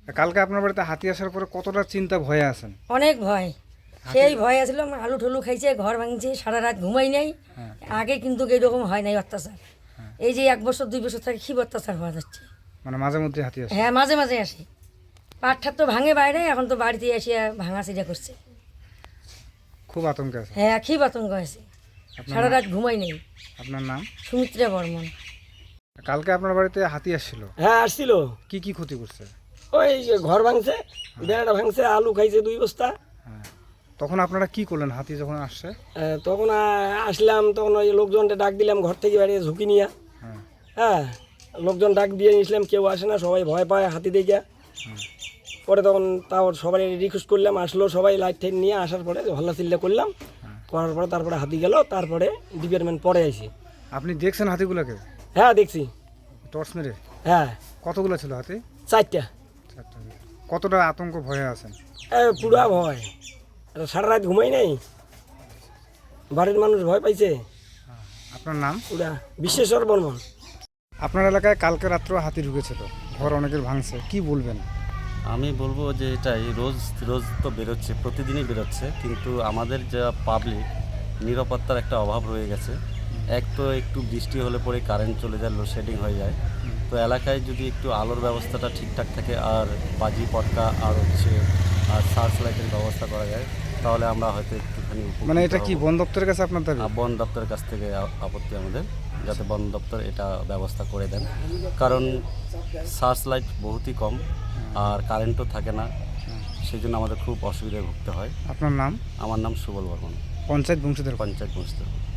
কালকে আপনার বাড়িতে হাতি আসার পরে কতটা চিন্তা ভয়ে আছেন? অনেক ভয়, সেই ভয় আসলাম। আলু ঠুলু খাইছে, ঘর ভাঙছে, সারা রাত ঘুমাই নাই। আগে কিন্তু এইরকম হয় নাই অত্যাচার। এই যে 1 বছর 2 বছর থেকে খুব অত্যাচার হওয়া যাচ্ছে। মানে মাঝে মধ্যে হাতি আসে? হ্যাঁ, মাঝে মাঝে আসে। পাটঠার তো ভাঙে বাইরে, এখন তো বাড়িতে এসে ভাঙা চিড়া করছে। খুব আতঙ্কে আছে? হ্যাঁ, খুব আতঙ্ক আছে, সারা রাত ঘুমাই নেই। আপনার নাম? সুমিত্রা বর্মন। কালকে আপনার বাড়িতে হাতি আসছিল, হ্যাঁ আসছিল। কি কি ক্ষতি করছে? ওই যে ঘর ভাঙছে, বেড়াটা ভাঙছে, আলু খাইছে 2 বস্তা। হ্যাঁ, তখন আপনারা কি করলেন হাতি যখন আসছে? তখন আসলাম, তখন ওই লোকজনটা ডাক দিলাম ঘর থেকে বাড়িয়ে ঝুঁকি নিয়ে। হ্যাঁ। হ্যাঁ, লোকজন ডাক দিয়ে নিয়েছিলাম, কেউ আসে না, সবাই ভয় পায় হাতি দেখে। পরে তখন তাও সবাই রিকোয়েস্ট করলাম, আসলো সবাই, লাইট টাইট নিয়ে আসার পরে হল্লা চিল্লা করলাম, করার পরে তারপরে হাতি গেল, তারপরে ডিপার্টমেন্ট পরে আইসি। আপনি দেখছেন হাতিগুলোকে? হ্যাঁ দেখছি। টর্চ মেরে? হ্যাঁ, কতগুলো ছিল হাতি? 4টা। কতটা আতঙ্ক ভয়ে আছেন? পুরা ভয়, সারা রাত ঘুমাই নাই, বাড়ির মানুষ ভয় পাইছে। আপনার নাম? পুরা বিশ্বেশ্বর বর্মন। আপনার এলাকায় কালকে রাত্রে হাতি ঢুকেছিল, ঘর অনেকের ভাঙছে, কি বলবেন? আমি বলবো যে এটাই রোজ রোজ তো বেরোচ্ছে, প্রতিদিনই বেরোচ্ছে, কিন্তু আমাদের যা পাবলিক নিরাপত্তার একটা অভাব রয়ে গেছে। এক তো একটু বৃষ্টি হলে পরে কারেন্ট চলে যায়, লোডশেডিং হয়ে যায়। তো এলাকায় যদি একটু আলোর ব্যবস্থাটা ঠিকঠাক থাকে, আর বাজি পটকা আর আর সার্চ লাইটের ব্যবস্থা করা যায়, তাহলে আমরা হয়তো একটুখানি মানে এটা কি বন দপ্তরের কাছে আপনার দাবি? বন দপ্তরের কাছ থেকে আপত্তি আমাদের, যাতে বন দপ্তর এটা ব্যবস্থা করে দেন। কারণ সার্চ লাইট বহুতই কম আর কারেন্টও থাকে না, সেই জন্য আমাদের খুব অসুবিধায় ভুগতে হয়। আপনার নাম? আমার নাম সুবল বর্মন, পঞ্চায়েত বংশীধর? পঞ্চায়েত বংশধর।